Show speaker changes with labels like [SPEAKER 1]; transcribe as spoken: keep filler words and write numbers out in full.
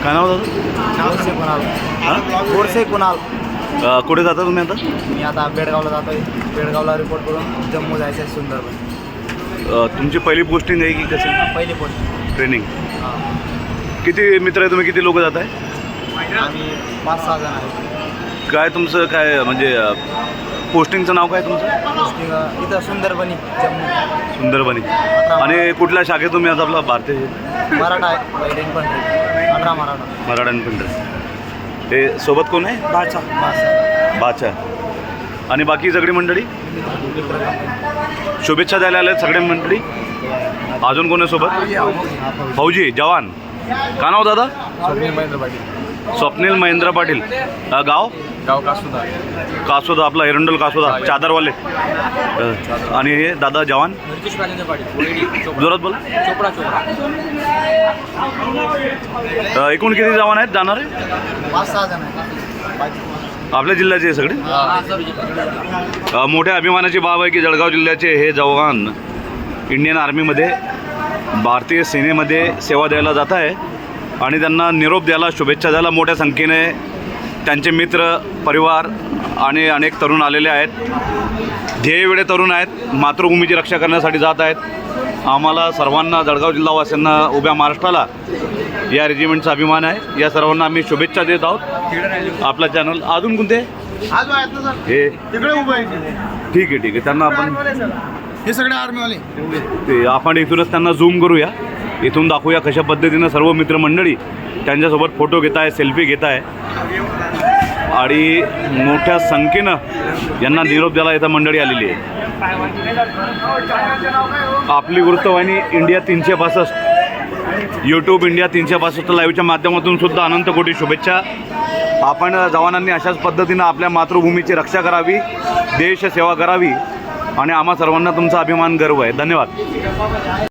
[SPEAKER 1] काय नाव दादा?
[SPEAKER 2] गोडसे कुणाल.
[SPEAKER 1] हां
[SPEAKER 2] गोडसे कुणाल.
[SPEAKER 1] अ, कुठे जाता तुम्ही आता?
[SPEAKER 2] मी आता बेळगावला जातोय. बेळगावला रिपोर्ट करून जम्मू जायचं आहे सुंदरबन.
[SPEAKER 1] अ, तुमची पहिली पोस्टिंग आहे की कसं
[SPEAKER 2] पहिली पोस्ट.
[SPEAKER 1] ट्रेनिंग?
[SPEAKER 2] हां.
[SPEAKER 1] किती मित्र आहे तुम्ही? किती लोक जात आहे?
[SPEAKER 2] आम्ही पाच सहा जण आहे.
[SPEAKER 1] काय तुमचं काय म्हणजे अ, पोस्टिंगचं नाव काय तुमचं?
[SPEAKER 2] पोस्टिंग इथं सुंदरबनी जम्मू.
[SPEAKER 1] सुंदरबनी. आणि कुठल्या शाखेत तुम्ही आता आपला भारतीय
[SPEAKER 2] मराठा आहे. वैदिक पंढरी. अठरा मराठा.
[SPEAKER 1] मराठा पंढर. हे सोबत कोण आहे?
[SPEAKER 2] बाचा. बाचा.
[SPEAKER 1] बाचा. आणि बाकी सगळी मंडळी शुभेच्छा द्यायला आल्या सगळे मंडळी. अजून कोण आहे सोबत? फौजी जवान. का नाव दादा?
[SPEAKER 2] स्वप्नील महेंद्र पाटील.
[SPEAKER 1] स्वप्नील महेंद्र पाटील. अ, गाव?
[SPEAKER 2] गाव कासुदा.
[SPEAKER 1] कासोदा आपला एरंडल कासोदा चादरवाले. अ, आणि हे दादा जवान
[SPEAKER 2] नितीश राजेंद्र पाटील.
[SPEAKER 1] जोरात बोल.
[SPEAKER 2] चोपडा चोपडा.
[SPEAKER 1] अ, एकूण किती जवान आहेत जाणार आहे?
[SPEAKER 2] पाच सहा जण आहेत.
[SPEAKER 1] आपल्या जिल्ह्याचे हे सगळे? अ, मोठ्या अभिमानाची बाब आहे की जळगाव जिल्ह्याचे हे जवान इंडियन आर्मीमध्ये भारतीय सेनेमध्ये सेवा द्यायला जात आहे आणि त्यांना निरोप द्यायला शुभेच्छा द्यायला मोठ्या संख्येने त्यांचे मित्र परिवार आणि अनेक तरुण आलेले आहेत. ध्येयवेळे तरुण आहेत. मातृभूमीची रक्षा करण्यासाठी जात आहेत. आम्हाला सर्वांना जळगाव जिल्हावासियांना उभ्या महाराष्ट्राला या रेजिमेंटचा अभिमान आहे. या सर्वांना आम्ही शुभेच्छा देत आहोत. आपला चॅनल अजून कोणते हे
[SPEAKER 2] तिकडे उभं आहे.
[SPEAKER 1] ठीक आहे ठीक आहे त्यांना आपण
[SPEAKER 2] हे सगळे आर्मीवाले.
[SPEAKER 1] ते आपण इथूनच त्यांना झूम करूया. इथून दाखवूया कशा पद्धतीनं सर्व मित्रमंडळी त्यांच्यासोबत फोटो घेत आहे सेल्फी घेत आहे आणि मोठ्या संख्येनं यांना निरोप द्यायला इथं मंडळी आलेली आहे. आपली वृत्तवाहिनी इंडिया तीनशे पासष्ट यूट्यूब इंडिया तीनशे पासष्ट लाईव्हच्या माध्यमातून सुद्धा अनंत कोटी शुभेच्छा. आपण जवानांनी अशाच पद्धतीनं आपल्या मातृभूमीची रक्षा करावी, देश सेवा करावी आणि आम्हा सर्वांना तुमचा अभिमान गर्व आहे. धन्यवाद.